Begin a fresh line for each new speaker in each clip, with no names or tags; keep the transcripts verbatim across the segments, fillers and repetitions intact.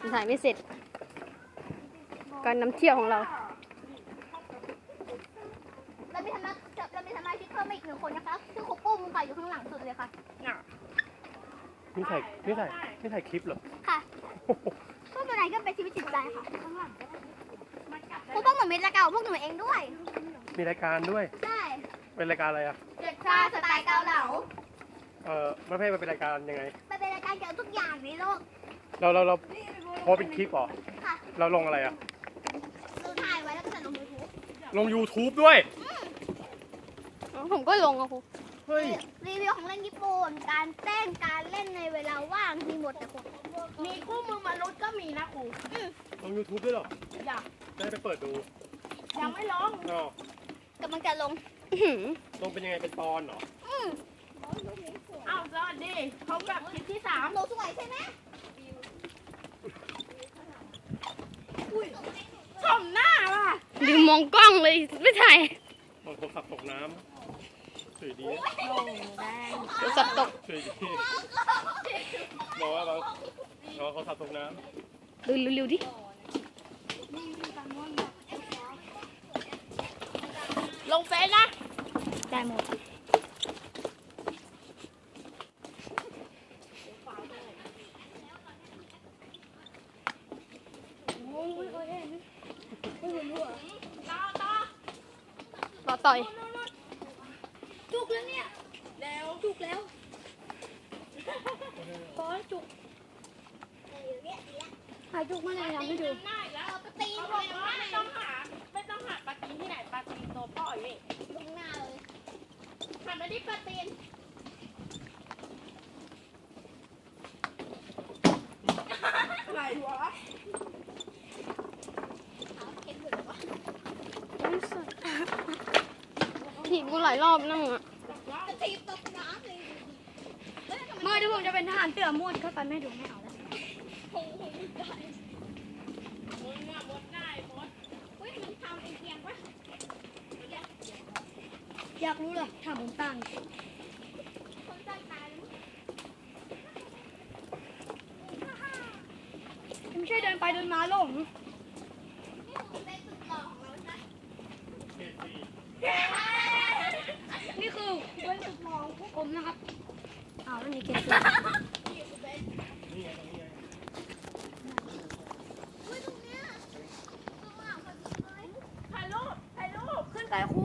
ถ่ายไม่เสร็จการนำเที่ยวของเรา
เรามีทำนักเรามีสมาชิกเพิ่มมาอีกหนึ่งคนนะคะคือครูปุ้มค่ะอยู่ข้างหลังสุดเลยค่ะ
นี่ถ่ายนี่ถ่ายนี่ถ่ายคลิปเหรอ
ค่ะพวกตัวไหนก็เป็นชีวิตจิตใจค่ะครูปุ้มเหมือนเม็ดละเก่าพวกหนูเองด้วย
มีรายการด้วย
ใช่
เป็นรายการอะไรอ่ะ
เด็กชาสไตล์เกาเหลา
เออไม่ใช่มันเป็นรายการยังไง
มันเป็นรายการเกี่ยวกับทุกอย่างในโลก
เราเราเราพอเป็นคลิปเหรอ
ค่ะ
เราลงอะไรอ่ะ
เราถ่ายไว้แล้วก็จะลงยูทูบ
ลง ยูทูบ ด้วย
ผมก็ลงอะครู
เฮ้ย
รีวิวของเล่นญี่ปุ่นการเต้นการเล่นในเวลาว่างมีหมดแต่ครู
มีคู่มือมนุษย์ก็มีนะครู
ลง ยูทูบ ด้วยเหรอ
อยาก
ได้ไปเปิดดู
ยังไม่ลง
กำลังจะลง
ลงเป็นยังไงเป็นตอนเหรอ
อ้าวสวัสดีเขาแบบคลิปที่สาม
หนูสวยใช่ไหม
ชมหน้าว่ะ
ดูมองกล้องเลยไม่ถ่าย
มองโทรศัพท์ตกน้ำสวยดี
โทรศัพท์ตก
สวยดีบอกว่าเราเราโทรศัพท์ตกน้
ำดูเร็วๆดิ
ลงเฟซนะ
ได้หมดต่อต่อย
จุกแล้วเนี่ย
แล้ว
จุกแล้ว
ก้อนจุก
หายจุกเมื่อไหร่ยังไม่ดู
ได้แล้ว
ปตีนเลย
ไม่ต้องหาไม่ต้องหาปลาตีนที่ไหนปลาตีนตัวพ่ออยู่นี่
ลงหน้าเลย
หันมาที่ปลาตีนอะไรวะ
ถีบกูหลายรอบนั่งอ่ะ
ถีบตกน้ำเลย
เมื่อที่ผมจะเป็นทหารเสือมดเข้าไปไม่ดูไม่เอาแล้ว
โอ้โหได้
มดน่ะมดได้มด
เฮ้ยมันทำเอียงปะ
อยากรู้เลยถามผมตั้ง
คนใจตาย
ไม่ใช่เดินไปเดินมาหลงนี่คือเป็นสุดมองพวกผมนะครับอ้าวแล้วนี่เกศ
นี่ไงตรงนี้ไง
ถ่ายรูปถ่ายรูป
ขึ้นไปครู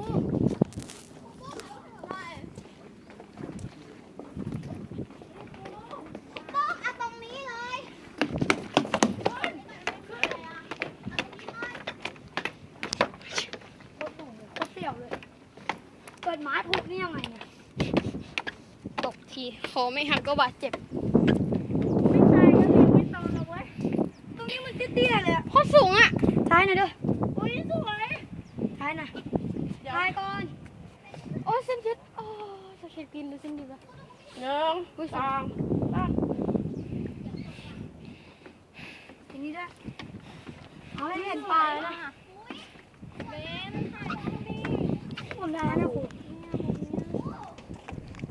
เกิดไม้พุกนี่ยังไงเนี่ยตกทีคอไม่หักก็บาดเจ็บ
ไม่ตายก็เรียกไม่โตนะเว้ย
ตรงนี้มันเตี้ยๆเลยอ่ะโคตรสูงอ่ะท้ายหน่อยเด้อ
โอ้ยสวย
ท้ายหน่อยท้ายก่อนโอ้เส้นยึดโอ้จะเข็ดกินหรือเส้นยึดวะ
หนึ่งสองสาม
ทีนี้ด้วยเอาให้เห็นปลาแล้วนะผมได้แล้วนะครู